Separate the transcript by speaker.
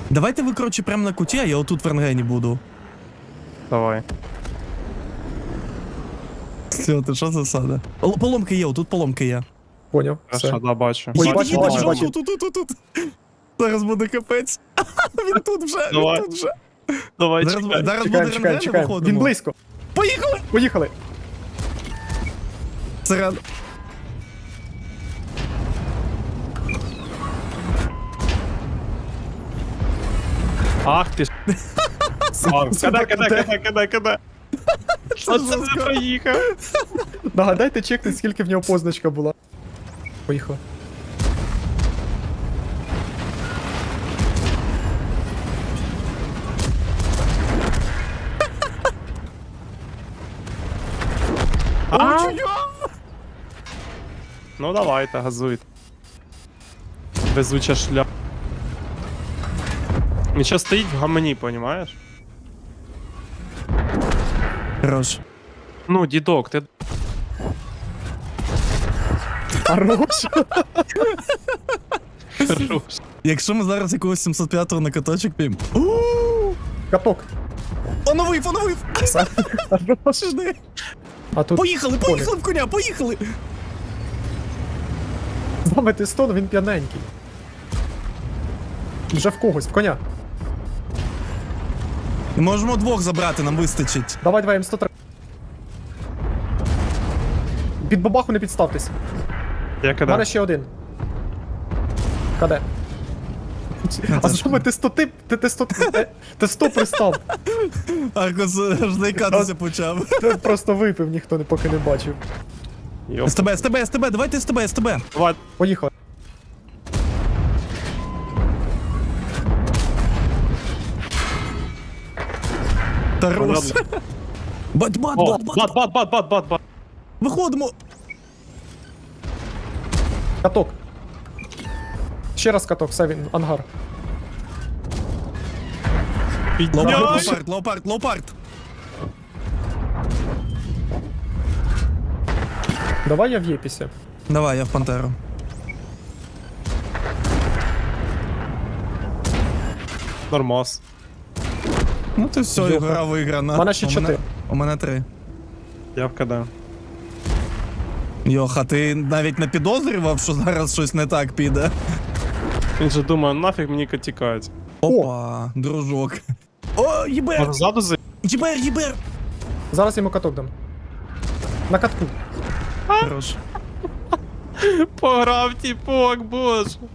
Speaker 1: Давайте ви, коротше, прямо на куті, а я отут в рентгені буду.
Speaker 2: Давай.
Speaker 1: Все, ти що засада? Поломки є, отут поломки є.
Speaker 3: Поняв,
Speaker 2: Хорошо,
Speaker 3: все.
Speaker 2: да, бачу.
Speaker 3: Ой,
Speaker 1: Їде,
Speaker 3: бачу,
Speaker 1: їде,
Speaker 3: бачу,
Speaker 1: чого?
Speaker 3: бачу.
Speaker 1: Тут. Зараз буде капець. Він тут вже,
Speaker 2: Давай.
Speaker 1: він тут вже.
Speaker 2: Давай,
Speaker 1: Зараз
Speaker 2: чекай.
Speaker 1: буде
Speaker 3: Чекаємо, чекаємо,
Speaker 1: рентген,
Speaker 3: чекаємо.
Speaker 1: виходимо.
Speaker 3: Він близько.
Speaker 1: Поїхали!
Speaker 3: Поїхали.
Speaker 1: Серед.
Speaker 2: Ах ти ж. Кидай. Оце не проїхав.
Speaker 3: Нагадайте, чекни, скільки в нього позначка була. Поїхали.
Speaker 2: Ну давайте, газуйте. Везуча шля. Він ще стоїть в гамані, понімаєш?
Speaker 1: Хорош.
Speaker 2: Ну, дідок, ти...
Speaker 3: Хорош.
Speaker 2: Хорош.
Speaker 1: Якщо ми зараз якогось 705-го на каточок п'ємо.
Speaker 3: Каток.
Speaker 1: Поновив!
Speaker 3: Хорош.
Speaker 1: Жди.
Speaker 3: А тут
Speaker 1: Поїхали в коня, поїхали!
Speaker 3: з нами Тестон, він п'яненький. Вже в когось, в коня.
Speaker 1: Можемо двох забрати, нам вистачить.
Speaker 3: Давай, М103. Під бабаху не підставтесь.
Speaker 2: Я
Speaker 3: У мене
Speaker 2: кидаю.
Speaker 3: ще один. Каде? А що ми Т100 пристав?
Speaker 1: Аркос жди кататися почав.
Speaker 3: Ти просто випив, ніхто поки не бачив.
Speaker 2: Йоп.
Speaker 1: СТБ, давайте СТБ.
Speaker 2: Давай.
Speaker 3: Поїхали.
Speaker 1: Тарус. Бат.
Speaker 2: О, бат.
Speaker 1: Виходимо.
Speaker 3: Каток. Ще раз каток, все він, ангар.
Speaker 2: Підняй.
Speaker 1: Леопард.
Speaker 3: Давай я в Єпісі.
Speaker 1: Давай, я в Пантеру.
Speaker 2: Нормас.
Speaker 1: Ну то все,
Speaker 3: Йоха.
Speaker 1: гра виграна.
Speaker 3: У мене ще 4.
Speaker 1: У мене 3.
Speaker 2: Я вкидаю.
Speaker 1: Йоха, ти навіть не підозрював, що зараз щось не так піде?
Speaker 2: Він же думає, нафіг мені тікають.
Speaker 1: Опа, дружок. О,
Speaker 2: Може
Speaker 1: ЄБР!
Speaker 2: ззаду за...
Speaker 1: ЄБР!
Speaker 3: Зараз йому каток дам. На катку.
Speaker 1: Хорош.
Speaker 2: Пограв тіпок, боже.